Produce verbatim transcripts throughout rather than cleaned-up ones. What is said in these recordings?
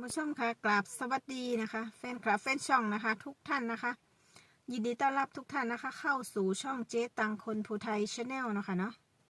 านผู้ชมค่ะกราบสวัสดีนะคะแฟนคลับแฟนช่องนะคะทุกท่านนะคะยินดีต้อนรับทุกท่านนะคะเข้าสู่ช่องเจ๊ตังคนภูไทยชาแนลนะคะเนาะ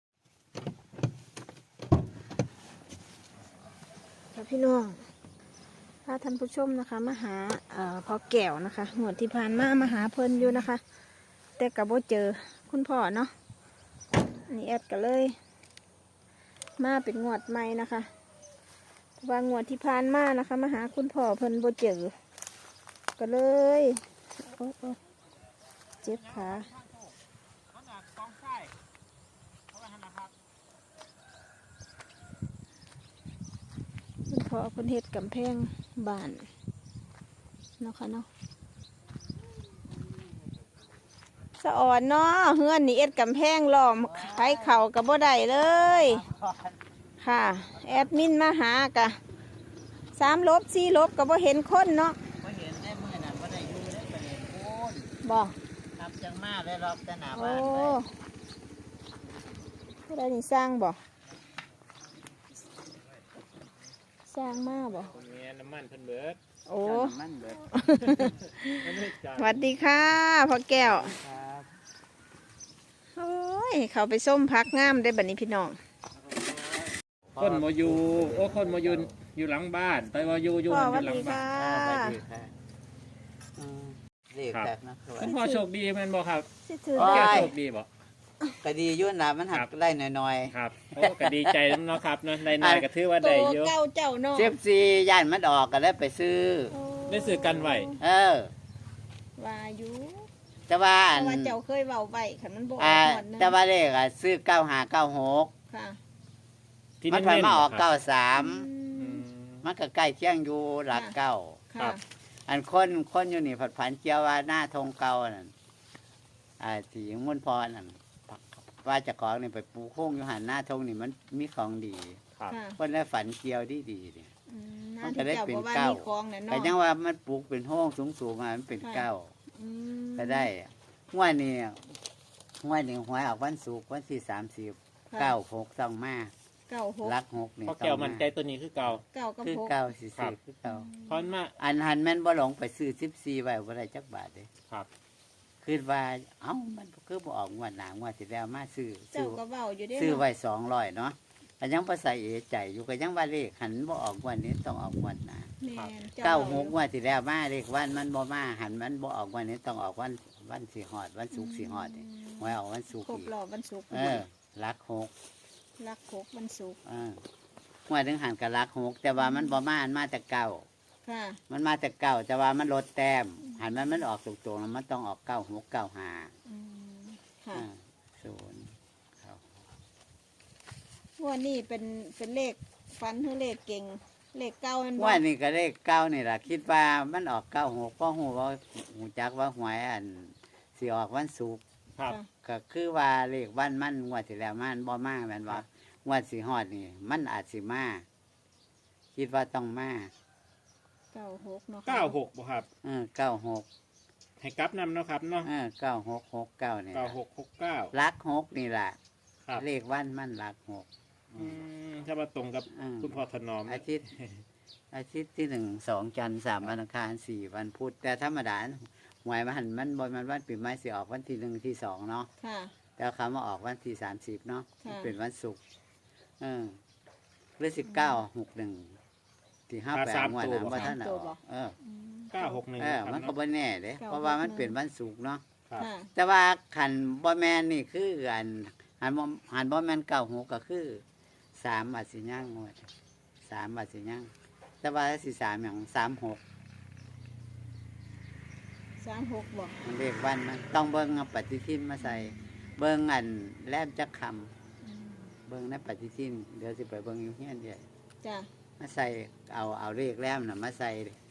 ค่ะพี่น้องถ้าท่านผู้ชมนะคะมาหาเอ่อพ่อแก้วนะคะงวดที่ผ่านมามาหาเพิ่นอยู่นะคะแต่กับว่าเจอคุณพ่อเนาะนี่แอดกันเลยมาเป็นงวดใหม่นะคะว่างวดที่ผ่านมานะคะมาหาคุณพ่อเพิ่นบ่เจอก็เลยโอ้โอ้เจ็บขาคุณพ่อเพิ่นเฮ็ดกำแพงบ้านเนาะค่ะเนาะสะอ่อนเนาะเฮือนนี่เอ็ดกำแพงล้อมไผเข่ากับบ่ได้เลยค่ะแอดมินมาหากะสามลบสี่ลบกับบ่เห็นคนเนาะบ่เห็นได้เมื่อนั้นบ่ได้อยู่ได้ประเด็นโอนบ่ทำจังมาได้รอบแต่หน้าโบ้านอ้ได้นี่สร้างบ่สร้างมาบ่มีน้ำมันเพิ่นเบิดโอ้มันเบิดสวัสดีค่ะพ่อแก้วครับโอ้ยเขาไปส้มพักงามได้บัดนี้พี่น้องคนมาอยู่โอ้คนมาอยู่อยู่หลังบ้านไปว่าอยู่อยู่อยู่หลังบ้านสวัสดีค่ะเรียกแบบนะคุณพ่อโชคดีแม่นบ่ครับถือแก้วโชคดีบ่ก็ดียุ่นนะมันหักได้น้อยๆครับโอ้ก็ดีใจเนาะครับเนาะได้น้อยก็ถือว่าได้เยอะเก้าเจ้าเนาะเจ็บซีย่านมันออกก็ได้ไปซื้อได้ซื้อกันไว้เออว่าอยู่แต่ว่าแต่ว่าเจ้าเคยเว้าไว้คันมันบ่ออกหมดนึงแต่ว่าเลขอ่ะซื้อเก้าห้าเก้าหกค่ะมันผ่านมาออกเก้าสามมันก็ใกล้เคียงอยู่หลักเก้าครับอันคนคนอยู่นี่ผัดผันเจียวว่าหน้าทงเก่านั่นอ่าที่มุ่นพรนั่นว่าจะของนี่ไปปูโค้งอยู่หันหน้าทงนี่มันมีของดีคนได้ฝันเกี่ยวดีดีนี่มันจะได้เป็นเก้าแต่ยังว่ามันปลูกเป็นห้องสูงสูงมามันเป็นเก้าก็ได้งวดนี้งวดนี้หวยออกวันศุกร์วันที่สามสิบเก้าหกต้องมาเก้าหกรักหกนี่เพราะแก้วมันใจตัวนี้คือเก่าเก้ากับคือเก้าสี่สิบคือเก้าพอนมาอันหันแม่นบ่หลงไปซื้อสิบสี่ใบบ่ได้จักบาทเลยครับคือว่าเอ้ามันคือบ่ออกงวดหน้างวดที่แล้วมาซื้อเจ้าก็เว้าอยู่เด้ซื้อไว้สองร้อยเนาะก็ยังบ่ใส่เอใจอยู่ก็ยังว่าเลขหันบ่ออกงวดนี้ต้องออกงวดหน้าเก้าหกงวดที่แล้วมาเลขวันมันบ่มาหันมันบ่ออกงวดนี้ต้องออกวันวันสิฮอดวันศุกร์สิฮอดนี่หวยออกวันศุกร์ครบรอบวันศุกร์เออรักหกรักหกวันศุกร์เออหวยถึงหันกับรักหกแต่ว่ามันบ่มาอันมาแต่เก้าค่ะมันมาแต่เก้าแต่ว่ามันลดแต้มหันมันมันออกตรงๆแล้วมันต้องออกเก้าหกเก้าห้าค่ะศูนย์ครับว่านี่เป็นเป็นเลขฟันหรือเลขเก่งเลขเก้ามันว่านี่ก็เลขเก้านี่แหละคิดว่ามันออกเก้าหกเพราะหูว่าหูจักว่าหวยอันสิออกวันศุกร์ครับก็คือว่าเลขวันมันงวดที่แล้วมันบ่มาแม่นว่างวดสิฮอดนี่มันอาจสิมาคิดว่าต้องมาเก้าหกเนาะเก้าหกบ่ครับเออเก้าหกให้กลับนำเนาะครับเนาะเออเก้าหกหกเก้าเนี่ยเก้าหกหกเก้ารักหกนี่แหละเลขวันมันรักหกอืมถ้ามาตรงกับคุณพ่อถนอมอาทิตย์อาทิตย์ที่หนึ่งสองจันทร์สามวันอังคารสี่วันพุธแต่ธรรมดาหวยมันมันบนมันวันปีใหม่สิออกวันที่หนึ่งที่สองเนาะแต่คำว่าออกวันที่สามสิบเนาะเป็นวันศุกร์เออเรื่องสิบเก้าหกหนึ่งที่ห้าแปดงวดนะว่าท่านเอาเออเก้าหกหนึ่งเออมันก็บ่แน่เลยเพราะว่ามันเป็นวันศุกร์เนาะแต่ว่าขันบ่แมนนี่คืออันหันบ่หันบ่แมนเก้าหกก็คือสามอาสิย่างงวดสามอาสิย่างแต่ว่าสิสามอย่างสามหกสามหกบอกมันเรียกวันมันต้องเบิ้งเอาปฏิทินมาใส่เบิ้งอันแลบจักคำเบิ้งในปฏิทินเดี๋ยวสิไปเบิ้งอยู่เฮียนเดียวจ้ะมาใส่เอาเอาเลขแลบน่ะมาใส่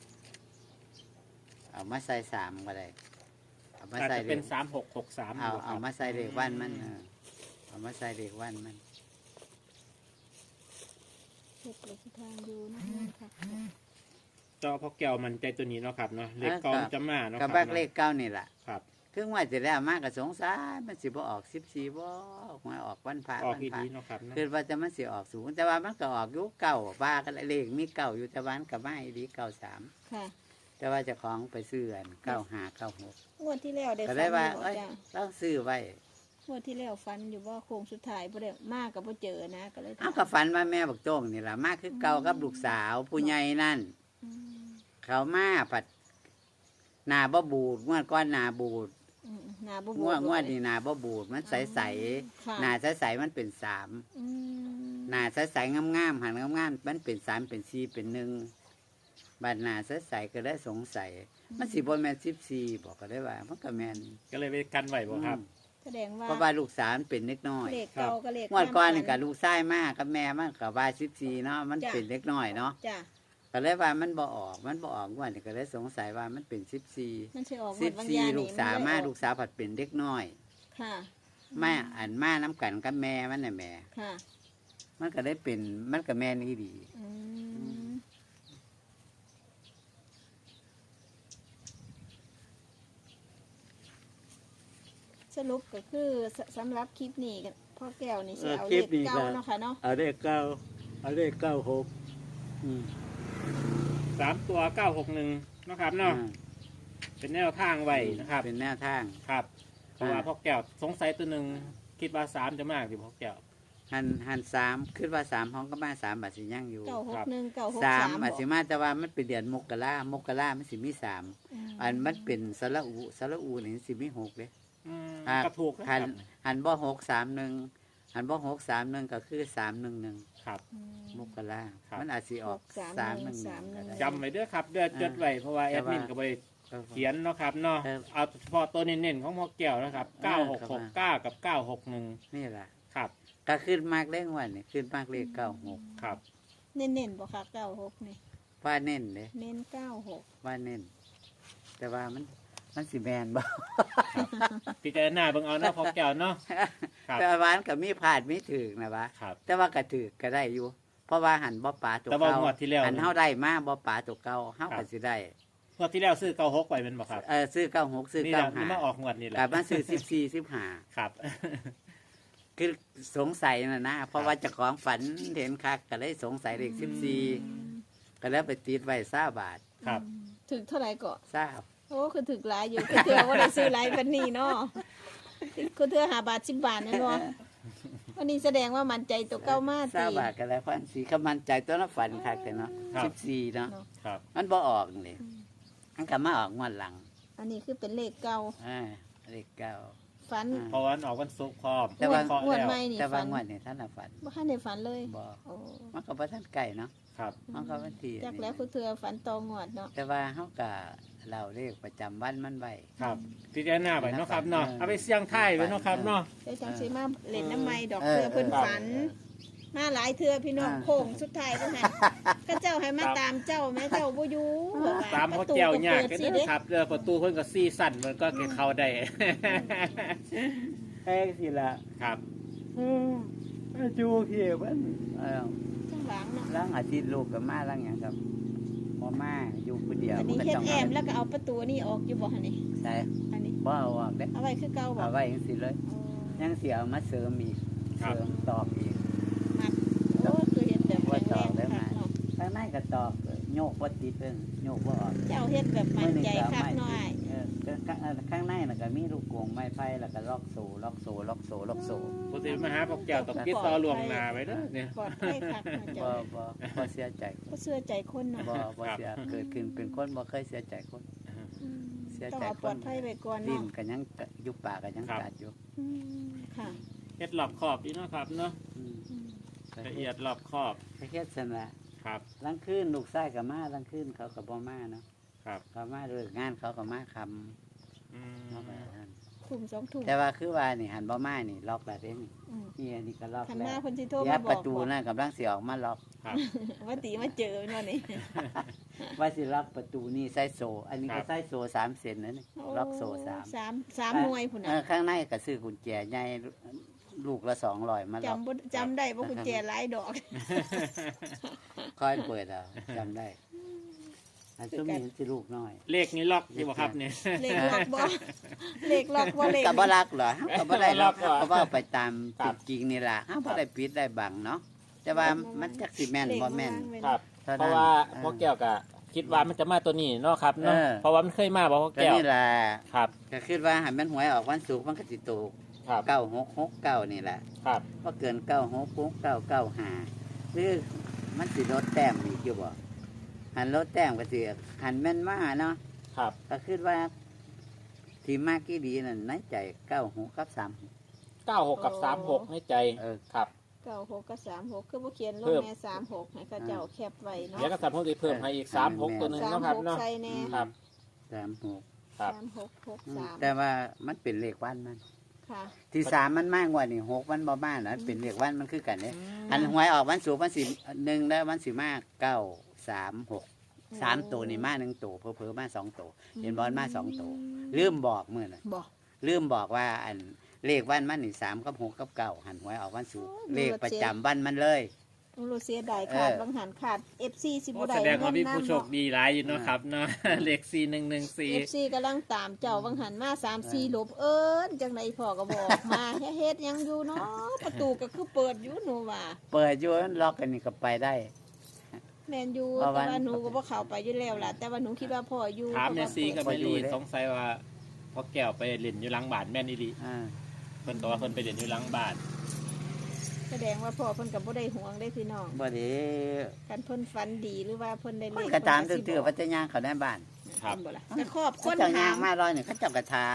เอามาใส่สามก็ได้เอามาใส่เป็นสามหกหกสามเอาเอามาใส่เลขวันมันเอามาใส่เลขวันมันเช็คเลขทางดูนะคะจอพ่อแก้วมันใจตัวนี้เนาะครับเนาะเลขเก้าจะมาเนาะกับเลขเก้านี่แหละครับคืองวดที่แล้วมาก็สงสัยมันสิบ่ออกสิบสี่บ่หวยออกวันพระออกวันอีพระดีเนาะครับเนาะคือว่าจะมันสิออกสูงแต่ว่ามันก็ออกอยู่เก่าว่ากันเลขมีเก่าอยู่แต่ว่ามันก็มาอีดีเก่าสามค่ะแต่ว่าเจะของไปซื้ออันเก้าห้าเก้าหกงวดที่แล้วได้ก็ฟัได้นอว่ายู่บ่เอ้ยจ้ะต้องซื้อไว้งวดที่แล้วฟันอยู่ว่าโค้งสุดท้ายบ่ได้มากกับบ่เจอนะก็เลยเอาก็ฝันว่าแม่บักโจ้งนี่ล่ะมาคือเก่ากับลูกสาวผู้ใหญ่นั่นอืมเขามาผัดหนาบ่บูดงวดก้อนหนาบูดอืมหน้าบ่งบววดมงวดนี่หนาบ่บูดมันใสใสค่ะหนาใสใสมันเป็นสามอืมหนาใสใสงามงามๆหันงามงามๆมันเป็นสามเป็นสี่เป็นหนึ่งบัดหนาใสใสก็ได้สงสัย มันสิบ่แม่นสิบสี่บอกก็ได้ว่ามันก็แม่นก็เลยไปกันไหวบ่ครับแสดงว่าเพราะว่าลูกสาวมันเป็นเล็กน้อยเลขเก่าก็เลขงวดก้อนนี่คกัวาบมฝัลูกชายมากกับแม่มันกับว่าสิบสี่เนาะมันจ้ะเป็นเล็กน้อยเนาะจ้ะก็เลยว่ามันบ่ออกมันบ่ออกงวดนี่ก็เลยสงสัยว่ามันเป็นสิบสี่มันสิออกงสิวบดบางสี่อย่างลูนี่กสาวนมาเลยออลูกสาวผัดเป็นเด็กน้อยค่ะแม่อันมาน้ำกันกับแม่มันน่ะแม่ค่ะมันก็ได้เป็นมันกับแม่นี่ดีอืมสรุปก็คือสสำหรับคลิปนี้กันพ่อแก้วนี่สิเอาเลขเก่าเนาะค่ะเนาะเอาเลขเก้าเอาเลขเก้าหกสามตัวเก้าหกหนึ่งเนาะครับเนาะเป็นแนวทางไว้นะครับเป็นแนวทางครับเพราะว่าอ่าพ่อแก้วสงสัยตัวหนึ่งคิดว่าสามจะมากดิพ่อแก้วหันหันสามขึ้นว่าสามห้องก็มาสามบาทสิย่างอยู่เก้าหกหนึ่งเก้าหกสาสาม มบาทสิมาแต่ว่ามันเป็นเดือนมกรามกรามันสิมีสามอันมันเป็นสระอูสระอูนี่สิมีหกเลยอืมอ่าก็ถูกนะคหัรันบหันบ่หกสามหนึ่งหันบ่หกสามหนึ่งก็คือสามหนึ่งหนึ่งครับมกราครับมันอาจสิออกสามสามหหนึ่นึ่งงหสามหนึ่นึ่งงจำไว้เด้อครับเดือดจดไว้เพราะว่าแอดมินก็ไปเขียนเนาะครับเนาะเออเอาเฉพาะตัวเน้นๆของพ่อแก้วนะครับเก้าหกหกเก้ากับเก้าหกหนึ่งนี่แหละครับก็ขึ้นมากเลขวันนี่ขึ้นมากเลขเก้าหกครับเน้นเน้นๆบ่ค่ะเก้าหกนี่ว่าเน้นเลยเน้นเก้าหกว่าเน้น แต่ว่ามันมันสิแมนบ่พิจารณาเบิ่งเอาเนาะพ่อแก้วเนาะ ครับแต่ว่ามันก็มีผ่านมีถึกนะวะครับแต่ว่าก็ถือก็ได้อยู่ เพราะว่าหันบ่ปลาตัวแต่ว่าเก่างวดที่แล้วหันเฮาได้มาบ่ปลาตัวเก่าเฮาครัก็บสิได้งวดที่แล้วซื้อเก้าหกไว้เป็นบ่ครับเออซื้อเก้าหกซื้อนี่แหเก้าละนี่ห้ามาออกงวดนี่แหละกับมาซื้อสิบสี่สิบห้าครับคือสงสัยน่ะนะเพราะว่าเจ้าของฝันเห็นคักก็เลยสงสัยเลขสิบสี่ก็แล้วไปติดไว้ซาบาทครับถึงเท่าไหร่ก็ซาบโอ้คือถึกหลายอยู่คือเถื่อว่าได้ซื้อหลายปันนี้เนาะคือเถื่อหาบาทสิบบาทนั่นเนาะวันนี้แสดงว่ามันใจตัวเก้ามากซาบาทก็แล้วพันสีก็มันใจตัวนั้นฝันคักแต่เนาะครับสิบสี่เนาะครับมันบ่ออกนี่มันก็มาออกงวดหลังอันนี้คือเป็นเลขเก่าอ่าเลขเก้าฝันอ่าเพราะว่าออกวันศุกร์พร้อมแต่ว่าเคาะงวดแล้วใหม่นี่แต่ว่าฝันงวดนี่ท่านน่ะฝันบ่ทันได้ฝันเลยบ่โอ้มันก็บ่ทันไก่เนาะครับมันก็วันที่จักแล้วคือเถื่อฝันตองวดเนาะแต่ว่าเฮาก็เล่าเลขประจำวันมันไว้ครับพิจารณาไปเนาะครับเนาะเอาไปเสี่ยงไทายไว้เนาะครับเนาะเดี๋ยวจังสิมาเล่นน้ำไม้ดอกเออเถื่อเพิ่นเออฝัน มาหลายเถื่อพี่น้องอ่าโค้งสุดท้ายก็ให้ก็เจ้าให้มาตามเจ้าแม่เจ้าบ่อยู่ตามพ่อแก้วยากกันเด้อครับเด้อประตูเพิ่นก็ซี่สั่นมันก็เข้าได้แป้งสิละครับอืมจูเขียวมันเออข้างหลังเนาะล้างอาทิตย์ลูกกับมาล้างอย่างครับพอมาอยู่คนเดียวอันนี้ก็เฮ็ดต้องแอมแล้วก็เอาประตูนี่ออกอยู่บ่หั่นนี่ใช่อันนี้บ่เอาออกเด้เอาไว้คือเก่าบ่เอาไว้ยังสิเลยอ๋อยังเสียเอามาเสริมอีกครับเสริมตอกอีกมัดโอ้คือเฮ็ดแบบแข็งแรงว่าต่อได้ไหมคักเนาะข้างในก็ตอกโยกบ่ติดเพิ่งโยกบ่ออกเจ้าเฮ็ดแบบมั่นใจคักน้อยเออข้างข้างในน่ะก็มีลูกกรงไม้ไผ่แล้วก็ล็อกโซ่ล็อกโซ่ล็อกโซ่ล็อกโซ่ปกติมาหาพ่อแก้วต้องติดต่อล่วงหน้าไว้เด้อเนี่ยปลอดภัยคักเนาะบ่เจ้าบ่บ่เสียใจก็เชื่อใจคนเนาะบ่บ่เสียเกิดขึ้นเป็นคนบ่เคยเสียใจคนอืมเสียต้องใจเอาคปลอน ดภัยไว้ก่อนดิ้เนาะนก็ยังอยู่ปากก็ยังกัดอยู่อืมค่ะเฮ็ดรอบขอบดีเนาะครับเนาะอืมอืมละเอียดรอบขอบไปเฮ็ดซั่นล่ะครับลังคืนลูกชายก็มาลังคืนเขาก็บ่มาเนาะครับเขามาเลิกงานเขาก็มาคำอืมเนาะไปนั่นทุ่มสองทุ่มแต่ว่าคือว่านี่หันบ่มานี่ล็อกแล้วเด้นี่อืมนี่อันนี้ก็ล็อกคันแล้มาว เพิ่นสิโทรเดี๋ยมาว บปอระกตูบ่นั่นกำลังสิออกมาล็อกครับว่าตีมาเจอเนาะนี่ว่าสิล็อกประตูนี่ใส่โซ่อันนี้ครัก็บใส่โซ่สามเซนนั่นนี่ล็อกโซ่สามสามสามหน่วยพุ่นเอน่ะอข้างในก็ซื้อกุญแจใหญ่ลูกละสองร้อยมาล็อกจำบ่จำได้ว่ากุญแจหลายดอกค่อยเปิดเอาจำได้ ออันซุ่มนี้สิลูกน้อยเลขนี้ล็อกอยู่บ่ครับเนี่ยเลขล็อกบ่เลขล็อกบ่เลขก็บ่รักเหรอก็บ่ได้ล็อกบ่รักเหรอก็ว่าไปตามครับจริงๆนี่ล่ะเฮาบ่ได้ปิดได้บังเนาะแต่ว่ามันจักสิแม่นบ่แม่นครับเท่านั้นเพราะว่าเออพ่อแก้วก็คิดว่ามันจะมาตัวนี้เนาะครับเนาะเออเพราะว่ามันเคยมาบ่พ่อก็แก้วนี่ล่ะครับก็คิดว่าให้มันหวยออกวันศุกร์มันก็สิถูกครับเก้าหกหกเก้านี่แหละครับบ่เกินเก้าหกหกเก้าเก้าห้าหรือมันสิลดแต้มอีกอยู่บ่หันลดแต้มก็สิหันแม่นมาเนาะครับก็คิดว่าที่มากกี่ดีนั่นในใจเก้าหกกับสามเก้าหกกับสามหกในใจเออครับเก้าหกกับสามหกคือบ่เขียนลเพิ่งมแม่สามหกให้เขาเจ้าแคปไว้เนาะเดี๋ยวก็สามหกจะเพิ่มให้อีกสามหกตัวหนึงสามเนาะคหรับกเนาะใส่แน่ครับสามหกครับสามหกหกอืมสามแต่ว่ามันเป็นเลขวันมันค่ะที่สามมันมากกว่านี่หกมันบ่มากนะเป็นเลขวันมันคือกันเนี่ยอันหวยออกวันศุกร์วันสิหนึ่งแล้ววันสิมากเก้าสามหกสามตัวนี่มาหนึ่งตัวเพิ่มมาสองตัวเห็นบอลมาสองตัวลืมบอกเมื่อน่ะบอกลืมบอกว่าอันเลขวันมันนี่สามกับหกกับเก้าหันหวยออกวันศุกร์เลขประจำวันมันเลยต้องรู้เสียดายขาดเออบางหันขาด เอฟ ซี สิบ่โอ้ได้แสดงว่ามีเงินผู้นำโชคดีหลายอยู่เนาะครับเนาะ เลขสี่หนึ่งหนึ่งสี่เอฟซีกำลังตามเจ้าบางหันมาสามสี่ลบเอิ้นจังไดพ่อก็บอกมาเฮ็ดหยังอยู่เนาะประตูก็คือเปิดอยู่หนูว่าเปิดอยู่ล็อกกันนี่ก็ไปได้แม่นอยู่เพราะแต่ว่าว่าหนูก็บ่เข้าไปอยู่แล้วล่ะแต่ว่าหนูคิดว่าพ่ออยู่ถามเนี่ยซีกับพเมออยู่ลี่เลยสงสัยว่าพ่อแก้วไปเล่นอยู่หลังบ้านแม่นอีหลีอ่าเพิ่นก็ว่าเพิ่นไปเล่นอยู่หลังบ้านแสดงว่าพ่อเพิ่นก็บ่ได้ห่วงได้พี่น้องบ่ได้กันเพิ่นฝันดีหรือว่าเพิ่นได้เลมันขก็ตามเพิ่นตื้อๆก็ว่าจะย่างเขาในบ้านครับเห็นบ่ล่ะแต่ครอบคเขานเจ้าถาย่างมมาร้อยหนึ่งเขาเจ้าก็ถาม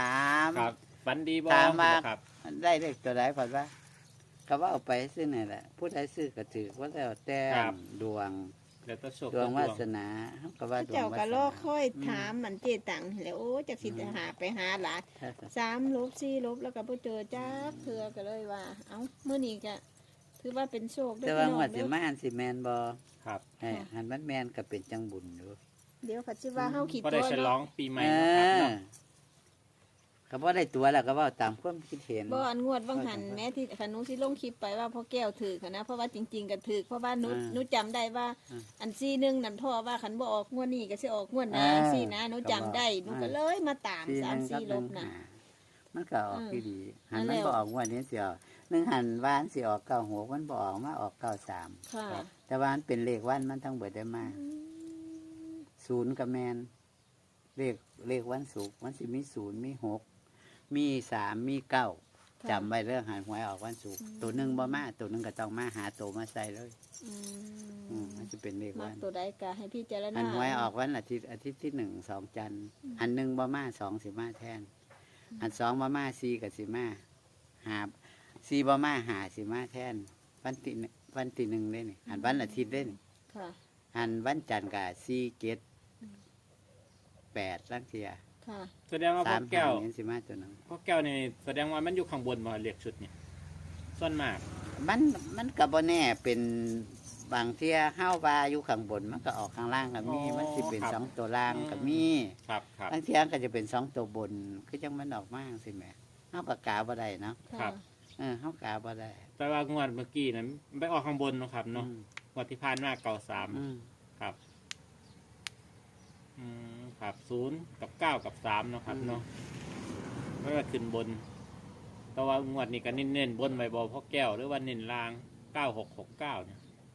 ครับฝันดีบ่ถามว่าครับได้เลขตัวไหนผ่อนว่าก็ว่าเอาไปซื้อนี่แหละผู้ใดซื้อก็ถือว่าแล้วแต่ดวงแล้วก็โชคดวงดวาสนาเขาก็ว่าดวงเจ้าวาก็สรอนาค่อยถามมันเจตังแหล้วโอ้จักสิหาไปหาหลานสามลบสี่ลบแล้วก็บ่เจอจักเทื่อก็เลยว่า เอ้ามื้อนี้ก็ถือว่าเป็นโชคเด้อแต่พี่ว่าน้องงวดสิเด้อมาหันสิแมนบ่ครับให้หันมันแมนก็เป็นจังบุญอยู่เดี๋ยวเขาสิว่าเฮาขี้ก็ตัได้วฉลอเนาะงปีใหม่เอนะครับอเนาะก็บ่ได้ตัวแล้วก็เว่าตามความคิดเห็นบ่อันงวดบางหันแม้ที่ขนุสิลงคลิปไปว่าพ่อแก้วถือค่ะนะเพราะว่าจริง ๆก็ถือเพราะว่าหนูอ่าหนูจำได้ว่าอ่าอันซี่หนึงนั่นพ่อว่าคันบ่ออกงวดนี้ก็สิออกงวดหน้าอ่าซี่นะหนูจำได้หนูก็เลยมาตามสี่สาหมนึ่งกับสี่หลนึ่งบน่ะหามันก็ออกอืมที่ดี หันนั่มันนแหละบ่ออกงวดนี้สิออกหนึ่งหันวานสิออกเก้าหกมันบ่ออกมาออกเก้าสามค่ะแต่ว่ามันเป็นเลขวันมันต้องเบิดได้มากศูนย์กับแมนเลขเลขวันศุกร์มันสิมีศูนย์มีหกมีสามมีเก้าค่ะจำไว้เรื่องหันหวยออกวันศุกร์อืมตัวหนึ่งบ่มาตัวหนึ่งก็ต้องมาหาตัวมาใส่เลยอือืมมมันจะเป็นเลขมัวักนตัวใดก็ให้พี่เจารณาหันหวยออกวันอาทิตย์อาทิตย์ที่หนึ่งสองจันทร์หันหนึ่งบ่มาสองสิมาแทนหันสองบ่มาสี่กับสิมาหาสี่บ่มาหาสิมาแทน วันที่หนึ่งวันที่หนึ่งเลยนี่หันวันอาทิตย์เลยนี่ค่ะหันวันจันทร์กับสี่เจ็ดแปดลังเทียค่ะแสดงว่าสาพ่อมแก้หาว เห็นสิมาตัวหนึงพ่อแก้วนี่แสดงว่ามันอยู่ข้างบนบ่เลขชุดเนี่ยส่วนมากมันมันก็บ่แน่เป็นบางเที่ยห้าวบาอยู่ข้างบนมันก็ออกข้างล่างก็มีอ๋อมันสิเป็นครับสองตัวล่างก็มีครับครับบางเที่ยก็จะเป็นสองตัวบนคือจังมันออกมาสิแหม่เฮาก็กาบ่ได้เนาะครัค่ะบเออเฮากาบ่ได้แต่ว่างวดเมื่อกี้นั้นไปออกข้างบนเนาะครับเนาะอืมงวดที่ผ่านมาเก่าสามอืมครับอืมครับศูนย์กับเก้ากับสามเนาะครับเนาะไม่ว่าขึ้นบน แต่ว่างวดนี้ก็เน้นๆบนใบบอพ่อแก้วหรือว่าเน้นล่างเก้าหกหกเก้าเนี่ย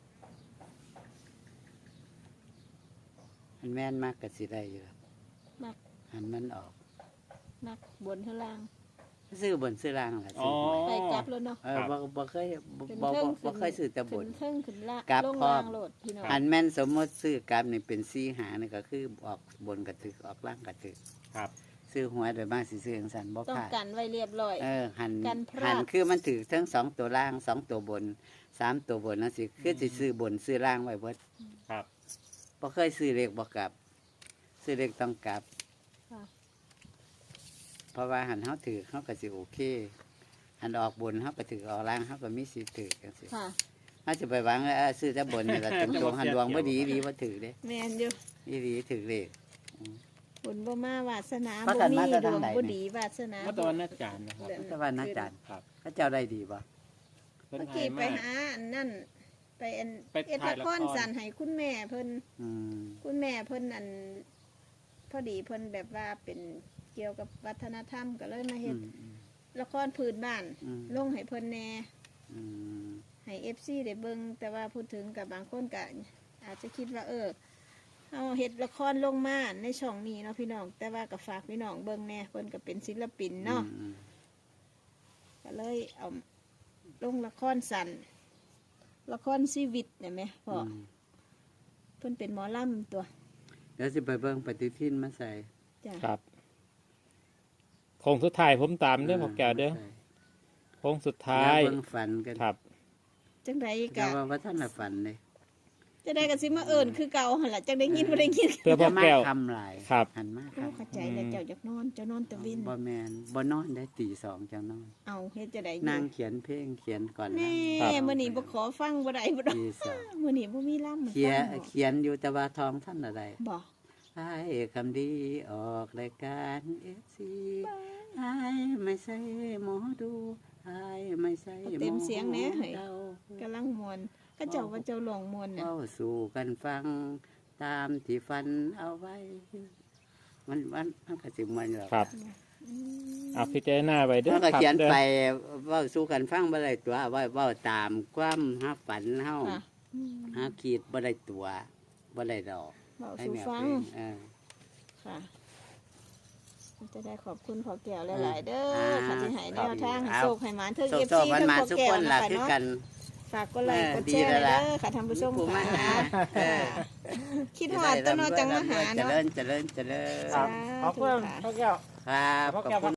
มันแม่นมากก็สิได้อยู่มักหันมันออกนักบนข้างล่างซื้อบนซื้อล่างล่ะอ๋ซื้ออหวยไปกลับแล้วเนาะเออบ่บ่เคยบ่ขึ้นบ่เทิบ่งบ่เคยซื้อแต่บขึ้นนเทิงขึ้นล่างกลับลงพร้อล่าม งโลดพี่น้องหันแม่นสมมติซื้อกราฟนี่เป็นสี่หานี่ก็คือออกบนกระถึกออกล่างกระถึกครับซื้อหวยโดยมากสิซื้อจังซั่นบ่ต้องพลาดกันไว้เรียบร้อยเออหันกันพลาดหันคือมันถือทั้งสองตัวล่างสองตัวบนสามตัวบนนั่นสิคือสิซื้อบนซื้อล่างไว้เบิดครับบ่เคยซื้อเลขบ่กลับ ซื้อเลขต้องกลับค่ะเพราะว่าหันเฮาถือเฮาก็สิโอเค หันออกบนเฮาก็ถือออกล่างเฮาก็มีสิทธิ์ถือจังซี่ค่ะเฮาสิไปหวังว่าเออซื้อแต่บนนี่ล่ะตรงๆหันดวงบ่ดีดีบ่ถือเด้แมนอยู่ดีดีถือเลขบุญบ่มาวาสนาพาบ่กันมีมาแต่ดทางวงไหนบ่นี่ดีวาสนาเมื่อตอนนัดจานนะครับแต่ว่านักจันครับพระเจ้าได้ดีบ่เพิ่นเมื่อให้กี้ไปมาหาอันนั่นไปไปอันไปเอ็ดถ่าละยละคครรสั่นให้คุณแม่เพิ่นอืมคุณแม่เพิ่นอันพอดีเพิ่นแบบว่าเป็นเกี่ยวกับวัฒนธรรมก็เลยมาอืเฮ็ดมละครพื้นบ้านอืมลงให้เพิ่นแหน่อืมให้ เอฟ ซี ได้เบิ่งแต่ว่าพูดถึงกับบางคนก็อาจจะคิดว่าเออเฮาเฮ็ดละครลงมาในช่องนี้เนาะพี่น้องแต่ว่าก็ฝากพี่น้องเบิ่งแหน่เพิ่นก็เป็นศิลปินเนาะอืมก็เลยเอาลงละครสั้นละครชีวิตเนี่ยไหมพ่ออมเพิ่นเป็นหมอลำตัวเดี๋ยวสิไปเบิ่งปฏิทินมาใส่จ้ะครับโค้งสุดท้ายผมตามเด้อพ่อแก้วเด้อโค้งสุดท้ายเบิ่งฝันกันครับจังไดแต่กะว่าว่าท่านน่ะฝันเลยจะได้กันสิมาเอิญคือเก่าหั่นล่ะจังได้ยินบ่ได้ยินเพื่อพ่อแก้วย่ามาคำหลายครับหันมาโอ้คำเข้าใจแล้วเจ้าอยากนอนเจ้านอนแตะวินบ่แมนบ่นอนได้ตีสองจังนอนเอาเฮ็ดจะได้นางเขียนเพลงเขียนก่อนแน่นะมื้อนี้บ่ขอฟังบ่ได้บ่ดอกตีสองมื้อนี้บ่มีลำเขียนเขียนอยู่แต่ว่าทองท่านอะไรบ่ให้คำดีออกรายการเอฟซีให้ไม่ใช่หมอดูให้ไม่ใช่หมอเต็มเสียงแหน่เฮ้ยเดากำลังม่วนก็เจ้าว่าเจ้าหลงม่วนน่ะเข้าสู่กันฟังตามที่ฟันเอาไว้ มันมันมันก็สิมันหรอกครับอืมเอาพิจารณาไปเด้อมันก็ครับเขียนเด้อไปเว่าสู้กันฟังบ่ได้ตัวเว่าเว่าตามความฮับฝันเฮาค่ะอืมหาขีดบ่ได้ตัวบ่ได้ดอกเว้าให้สู่แนวฟัเพงลงเออค่ะจะได้ขอบคุณพ่อแก้วหลายๆเด้ออ่าค่ะที่ให้แนวทางครับโชคให้หมานเทิงโซเอฟโซซีมันเทิงมาพ่อทุกแก้คว นนะล่ะคะคือเนาะกันฝากกดไลค์เออกดแชร์ดีแล้วเด้ล่ะอค่ะท่านผู้ชมผู้มาค่ะหาเออคิดฮอดต้นนอจังมาหาเจเนาะริญเจริญเจริญครับขอบคุณพ่อแก้วครับพ่อขอบแก้วคุณ